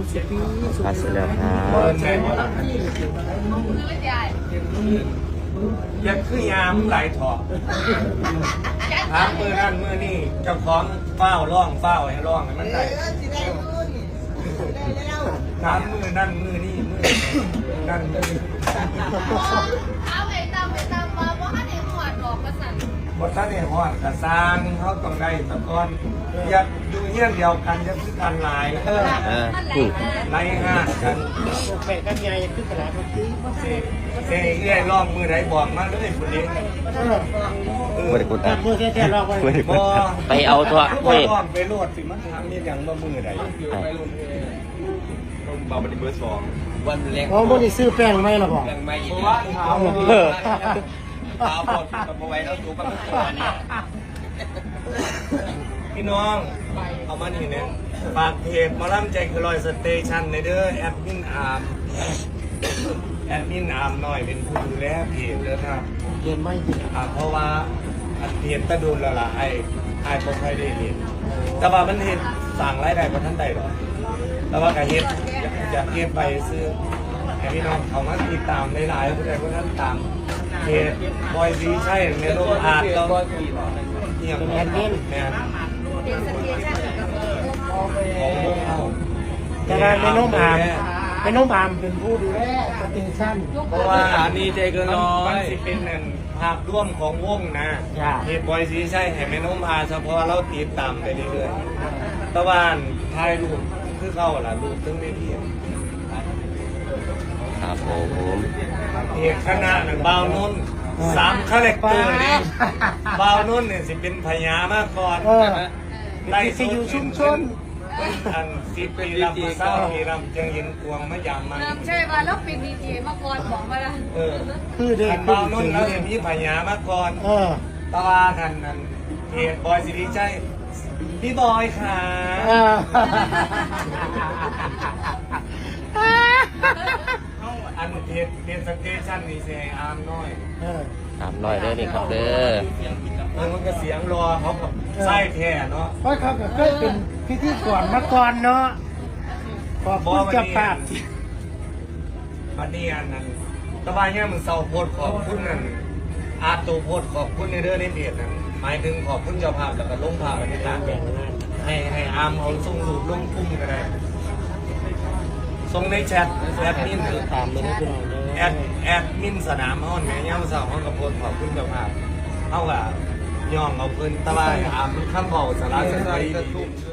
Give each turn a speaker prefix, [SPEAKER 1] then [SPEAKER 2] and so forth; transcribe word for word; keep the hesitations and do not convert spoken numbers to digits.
[SPEAKER 1] สุปีสุ
[SPEAKER 2] พัส
[SPEAKER 1] ปี
[SPEAKER 2] ดุแล้วครับ
[SPEAKER 3] ยังคือยามไหลถอดถามมือนั่นมือนี่เจ้าของเฝ้าร่องเฝ้าให้ร่องให้มันได้ถามมือนั่นมือนี่มือนั่นมือ
[SPEAKER 4] เอาไปตามไปตามมาเพราะให้เด็กหอดออกมาสั่น
[SPEAKER 3] บทท่านเนี่ยฮอดกระซางเขาต้องได้ตะกอนอย่าอยู่เงี้ยเดียวกันจะคือกันหลาย
[SPEAKER 2] เออ
[SPEAKER 4] มันไหล
[SPEAKER 2] อืม
[SPEAKER 4] มา
[SPEAKER 3] ไล่ห้ากัน
[SPEAKER 1] แปะกันใหญ่ขึ้นกระดาษเมื่อกี้
[SPEAKER 3] เซ่เซ่เอื้อยร่องมือไหนบอกมาเลยคนนี้
[SPEAKER 1] เออ
[SPEAKER 3] เออ
[SPEAKER 2] ไม่ได้กด
[SPEAKER 1] ตั
[SPEAKER 2] ดั
[SPEAKER 1] ด
[SPEAKER 2] น
[SPEAKER 1] มือแค่ๆลองไป
[SPEAKER 2] ไม่ได้ก
[SPEAKER 3] บ
[SPEAKER 2] ด
[SPEAKER 3] อ
[SPEAKER 2] ดันไปเอาตัว
[SPEAKER 3] เฮ้
[SPEAKER 2] เฮ้
[SPEAKER 3] ย
[SPEAKER 2] ย
[SPEAKER 3] ไปโลดสิมันทำนี่อย่างว่ามือใด
[SPEAKER 5] เบาบันทึกเบอร์สองวันแรก
[SPEAKER 1] อ๋อพวกนี้ซื้อแป้งไหมล่ะบอก
[SPEAKER 5] ยังไม่
[SPEAKER 3] เพ
[SPEAKER 5] ยิน
[SPEAKER 3] ราะว่าเขา
[SPEAKER 2] เออ
[SPEAKER 5] ตาบอดกับเอาไว้แล้วตัวกับตัวเนี่ย
[SPEAKER 3] พี่น้อง เอามานี่เนี่ยฝากเพจหมาล่ำใจคือลอยสเตชันในเด้อแอดมินอาร์มแอดมินอาร์มหน่อยเป็นผู้ดูแลเพจเด้อครับ
[SPEAKER 1] เย็นไหม
[SPEAKER 3] อ่าเพราะว่าอันเพจตะดูนและล่ะไอ้ไอ้บ่ค่อยได้เห็นแต่ว่ามันเห็นสั่งรายได้บ่ทันได้หรอกแต่ว่าก็เฮ็ดอยากเฮ็ดไปซื้อให้พี่น้องเขามาติดตามหลายๆผู้ใดผู้นั้นตามเพจบอยซีใช่เมโลอาร์ตแล้วเหี่ยงแอดมินแม่น
[SPEAKER 4] เด็กสเตชันกับเออ
[SPEAKER 3] ของวงเอา
[SPEAKER 1] แต่ว่าเป็นน้องอามเป็นน้องอามเป็นผู้ดูแลสเตชัน
[SPEAKER 3] เพราะว่า
[SPEAKER 5] อันนี้ใจเกินร้อ
[SPEAKER 3] มัน
[SPEAKER 5] ย
[SPEAKER 3] สิเป็นนั่นภาพร่วมของวงนะเพจบอยซีใช่ให้แม่น้องอาเฉพาะเราติดตามไปเรื่อยๆ ตะวันถ่ายรูปคือเข้าล่ะรูปตึ้งไม่เพียง
[SPEAKER 2] ครับผม
[SPEAKER 3] เอกคณะน่ะบ่าวนุ่นสามคาแรคเตอร์นี่บ่าวนุ่นเนี่ยสิเป็นพญามาก่อน
[SPEAKER 1] เออ
[SPEAKER 3] ไล่
[SPEAKER 1] สิอยู่ชุมชน
[SPEAKER 3] เป็นอันสิปีลำมาเศร้าปีลำจังเห็นกวงมะยามมัน
[SPEAKER 4] เริ่มใช่ป่ะแล้วเป็นดีเจมาก่อนบอกมาละ
[SPEAKER 3] เออ
[SPEAKER 1] คือเด็
[SPEAKER 3] อั
[SPEAKER 1] ก
[SPEAKER 3] นบ่าวนุ่นแล้วเห็นมีพญามาก่อน
[SPEAKER 1] เออ
[SPEAKER 3] ตะวันทันนั้นเพจบอยสิริชัยพี่บอยค่ะ
[SPEAKER 1] เออ
[SPEAKER 3] อันเพจเพจสเตชันนี่เซอาร์มน้อย
[SPEAKER 1] เออ
[SPEAKER 2] ตามรอยเด้อนี่ครับเด้อ
[SPEAKER 3] เออมันก็เสียงรอเขากับไส้แท้เนาะ
[SPEAKER 1] เพราะเขาก็เคยเป็นพิธีกรมาก่อนเนาะขอบคุณเจ้าภาพ
[SPEAKER 3] วันนี้อันนั้นตะวันเนี่ยมึงเศร้าโพดขอบคุณนั่นอาตูโพดขอบคุณในเรื่องในเพจนั่นหมายถึงขอบคุณเจ้าภาพแล้วก็ลงภาพบรรยากาศแบบนั้นให้ให้อาร์มเอาส่งรูปลงพุ่มก็ได้ส่งในแชทแอดมิน
[SPEAKER 1] ตามเลยนะพี่น้อง
[SPEAKER 3] แอดแอดมินสนามห้องแม่ย่าสาวห้องกับโพดขอบคุณเจ้าภาพเท่ากับย่องเอาเพิ่นตะวันอาร์มคำเบาสาระสาระดี